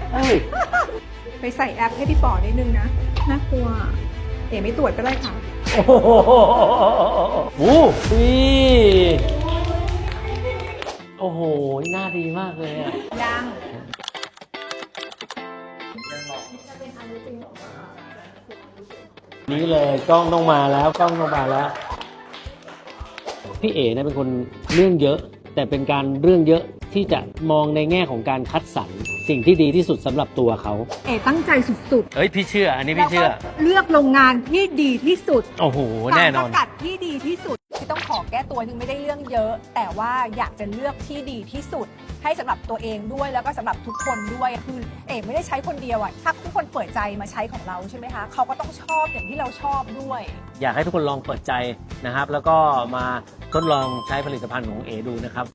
เอ้ยไปใส่แอปให้พี่ป๋อนิดนึงนะน่ากลัวเอ๋ไม่ตรวจก็ได้ค่ะโอ้โหโอ้โหหน้าดีมากเลยอ่ะยังนี่เลยกล้องต้องมาแล้วกล้องต้องมาแล้ว พี่เอ๋เนี่ยเป็นคนเรื่องเยอะ แต่เป็นการเรื่องเยอะที่จะมองในแง่ของการคัดสรรสิ่งที่ดีที่สุดสำหรับตัวเขาเอ๋ตั้งใจสุดเฮ้ยพี่เชื่อ อันนี้ๆพี่เชื่อแล้วก็เลือกโรงงานที่ดีที่สุดโอ้โหแน่นอนสารสกัดที่ดีที่สุดที่ต้องขอแก้ตัวนึงไม่ได้เรื่องเยอะ แต่ว่าอยากจะเลือกที่ดีที่สุด ให้สำหรับตัวเองด้วยแล้วก็สำหรับทุกคนด้วยคือเอ๋ไม่ได้ใช้คนเดียวอะถ้าทุกคนเปิดใจมาใช้ของเราใช่ไหมคะเขาก็ต้องชอบอย่างที่เราชอบด้วยอยากให้ทุกคนลองเปิดใจนะครับ แล้วก็มาทดลองใช้ผลิตภัณฑ์ของเอดูนะครับ